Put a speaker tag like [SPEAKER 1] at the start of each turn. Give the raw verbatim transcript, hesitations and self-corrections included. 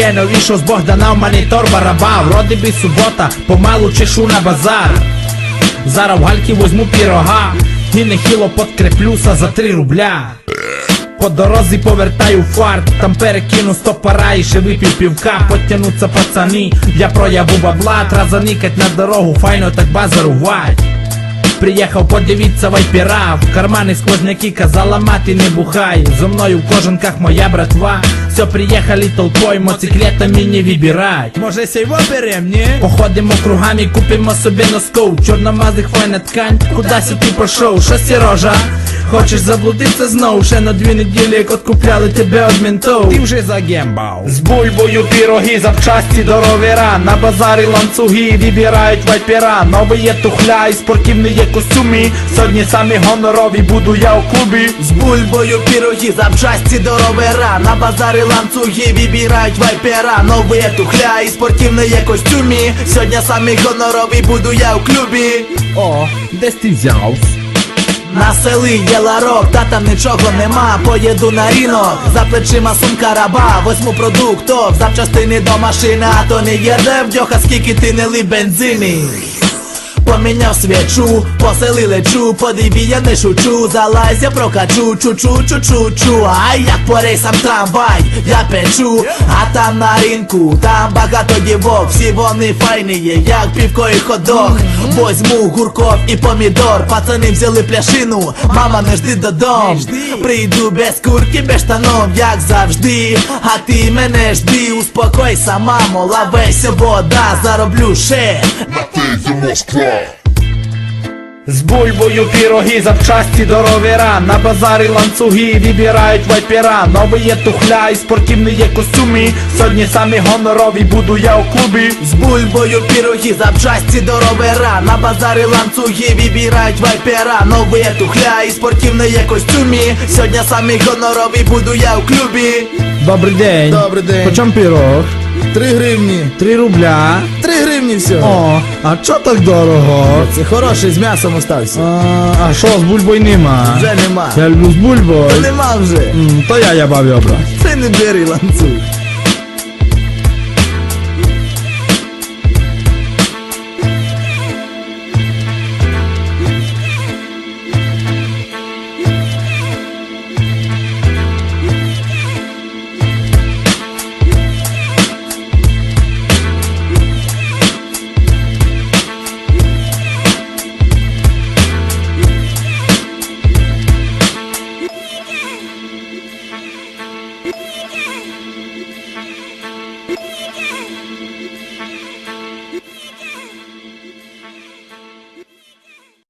[SPEAKER 1] Ще не вийшов з Богдана в монітор бараба. Вроді би субота, помалу чешу на базар. Зараз в гальки возьму пірога і нехило подкреплюся за три рубля. По дорозі повертаю фарт, там перекину сто пара і ще випів півка. Потянуться пацани, я прояву бабла. Тра заникать на дорогу, файно так базарувать. Приїхав подивіться вайпера, в кармани сквозняки, казала мати не бухай. Зо мною в кожанках моя братва. Все, приїхали толпой, моциклетами не вибирать. Може сей берем, не? Походимо кругами, купимо собі носков. Чорномазих файна ткань, кудась ти пошов? Що сірожа? Хочеш заблудитися знов? Ще на дві неділі, як откупляли тебе од ментов. Ти вже загембав. З бульбою піроги, запчасті до ровера. На базарі ланцюги, вибирають вайпера. Нові є тухля і спортивні є костюми. Сьогодні самі гонорові буду я у клубі.
[SPEAKER 2] З бульбою піроги, запчасті до ровера. На базарі ланцюги, вибирають вайпера. Нові є тухля і спортивні є костюми. Сьогодні самі гонорові буду я у клубі.
[SPEAKER 1] О, десь ти взяв?
[SPEAKER 2] На селі є ларок, та там нічого нема. Поїду на ринок, за плечима сумка раба. Возьму продуктов, запчастини до машини. А то не їде вдьоха, скільки ти не лив бензини. Поміняв свічу, по селі лечу. Подиві, я не шучу, залазь я прокачу. Чу-чу-чу-чу-чу. А як по рейсам трамвай, я печу. А там на ринку, там багато дівок. Всі вони файні є, як півко і ходок. Возьму гурков і помідор. Пацани взяли пляшину, мама не жди додому. Прийду без курки, без штанов, як завжди. А ти мене жди, успокойся, мамо, лавайся, вода, зароблю ще.
[SPEAKER 1] З бульбою піроги, запчасті до ровера. На базарі ланцюги, вибирають вайпера. Нові є тухля і спортивні є костюми. Сьогодні самі гонорові буду я у клубі.
[SPEAKER 2] З бульбою піроги, запчасті до ровера. На базарі ланцюги, вибирають вайпера. Нові є тухля і спортивні є костюми. Сьогодні самі гонорові буду я у клубі.
[SPEAKER 1] Добрий день.
[SPEAKER 3] Добрий день.
[SPEAKER 1] Почем пірог?
[SPEAKER 3] Три гривні.
[SPEAKER 1] Три рубля.
[SPEAKER 3] Три гривні всього.
[SPEAKER 1] О, а чо так дорого?
[SPEAKER 3] Це хороший, з м'ясом остався.
[SPEAKER 1] А, а що, з бульбою нема?
[SPEAKER 3] Вже нема.
[SPEAKER 1] Я люблю з бульбою.
[SPEAKER 3] Нема вже.
[SPEAKER 1] М, то я я баві обрати.
[SPEAKER 3] Ти не бери ланцюг.